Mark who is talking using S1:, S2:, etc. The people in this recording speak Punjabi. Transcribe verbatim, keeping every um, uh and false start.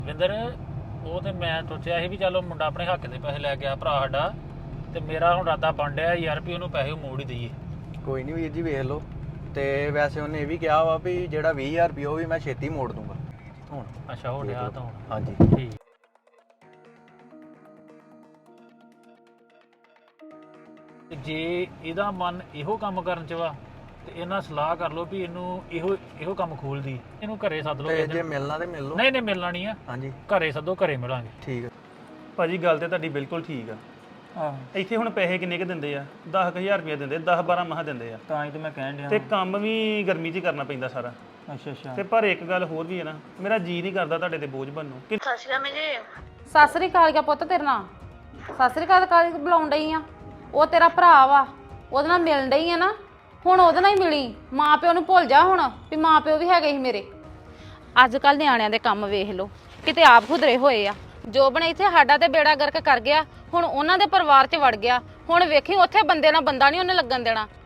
S1: ਵਿੰਦਰ ਉਹ ਤੇ ਮੈਂ ਸੋਚਿਆ ਸੀ ਵੀ ਚਲੋ ਮੁੰਡਾ ਆਪਣੇ ਹੱਕ ਦੇ ਪੈਸੇ ਲੈ ਗਿਆ ਭਰਾ ਸਾਡਾ ਤੇ ਮੇਰਾ ਹੁਣ ਇਰਾਦਾ ਬਣ ਡਿਆ ਯਾਰ ਵੀ ਉਹਨੂੰ ਪੈਸੇ ਮੋੜ ਹੀ ਦਈਏ।
S2: ਕੋਈ ਨਹੀਂ ਵੀਰ ਜੀ ਵੇਖ ਲਓ ਤੇ ਵੈਸੇ ਉਹਨੇ ਇਹ ਵੀ ਕਿਹਾ ਵਾ ਵੀ ਜਿਹੜਾ ਵੀਹ ਹਜ਼ਾਰ ਰੁਪਏ ਉਹ ਵੀ ਮੈਂ ਛੇਤੀ ਮੋੜ ਦੂੰਗਾ ਹੁਣ।
S1: ਅੱਛਾ ਹੋ ਗਿਆ ਤਾਂ ਹੁਣ।
S2: ਹਾਂਜੀ
S1: ਠੀਕ। ਤੇ ਜੇ ਇਹਦਾ ਮਨ ਇਹੋ ਕੰਮ ਕਰਨ ਚ ਵਾ ਤੇ ਇਹਨਾਂ ਸਲਾਹ ਕਰ ਲਓ ਵੀ ਇਹਨੂੰ ਇਹੋ ਇਹੋ ਕੰਮ ਖੋਲਦੀ ਇਹਨੂੰ ਘਰੇ ਸੱਦ ਲਓ
S2: ਤੇ
S1: ਕਿਸੇ
S2: ਜੇ
S1: ਦਿਨ।
S2: ਮਿਲਣਾ ਤੇ ਮਿਲ ਲਓ।
S1: ਨਹੀਂ ਨਹੀਂ ਮਿਲਣਾ ਨਹੀਂ ਆ
S2: ਹਾਂਜੀ
S1: ਘਰੇ ਸੱਦੋ ਘਰੇ ਮਿਲਾਂਗੇ।
S2: ਠੀਕ ਹੈ
S3: ਭਾਜੀ ਗੱਲ ਤੇ ਤੁਹਾਡੀ ਬਿਲਕੁਲ ਠੀਕ ਆ।
S1: ਆਹ
S3: ਇੱਥੇ ਹੁਣ ਪੈਸੇ ਕਿੰਨੇ ਕ ਦਿੰਦੇ ਆ ਦਸ ਹਜ਼ਾਰ ਰੁਪਏ ਦਿੰਦੇ ਦਸ ਬਾਰਾਂ ਮਹਾ ਦਿੰਦੇ ਆ
S1: ਤਾਂ ਹੀ ਤੇ ਮੈਂ ਕਹਿਣ ਡਿਆ।
S3: ਤੇ ਕੰਮ ਵੀ ਗਰਮੀ 'ਚ ਹੀ ਕਰਨਾ ਪੈਂਦਾ ਸਾਰਾ।
S1: ਅੱਛਾ ਅੱਛਾ
S3: ਤੇ ਪਰ ਇੱਕ ਗੱਲ ਹੋਰ ਵੀ ਹੈ ਨਾ ਮੇਰਾ ਜੀ ਨਹੀਂ ਕਰਦਾ ਤੁਹਾਡੇ ਤੇ ਬੋਝ ਬਣਨ ਨੂੰ।
S4: ਸਤਿ ਸ਼੍ਰੀ ਅਕਾਲ ਜੀ।
S5: ਸਤਿ ਸ੍ਰੀ ਅਕਾਲ ਗਿਆ ਪੁੱਤ ਤੇਰੇ ਨਾਲ। ਸਤਿ ਸ੍ਰੀ ਅਕਾਲ ਕਾਹਦੀ ਬੁਲਾਉਣ ਡਈ ਆ? ਉਹ ਤੇਰਾ ਭਰਾ ਵਾ ਉਹਦੇ ਨਾਲ ਮਿਲਣ ਡਈ ਆ ਨਾ ਹੁਣ ਉਹਦੇ ਨਾਲ ਹੀ ਮਿਲੀ। ਮਾਂ ਪਿਓ ਨੂੰ ਭੁੱਲ ਜਾ ਹੁਣ ਵੀ ਮਾਂ ਪਿਓ ਵੀ ਹੈਗੇ ਸੀ ਮੇਰੇ। ਅੱਜ ਕੱਲ ਨਿਆਣਿਆਂ ਦੇ ਕੰਮ ਵੇਖ ਲਓ ਕਿਤੇ ਆਪ ਖੁਦਰੇ ਹੋਏ ਆ। ਜੋਬਨ ਇੱਥੇ ਸਾਡਾ ਤੇ ਬੇੜਾ ਗਰਕ ਕਰ ਗਿਆ ਹੁਣ ਉਹਨਾਂ ਦੇ ਪਰਿਵਾਰ 'ਚ ਵੜ ਗਿਆ। ਹੁਣ ਵੇਖੀ ਉੱਥੇ ਬੰਦੇ ਨਾਲ ਬੰਦਾ ਨਹੀਂ ਉਹਨੇ ਲੱਗਣ ਦੇਣਾ।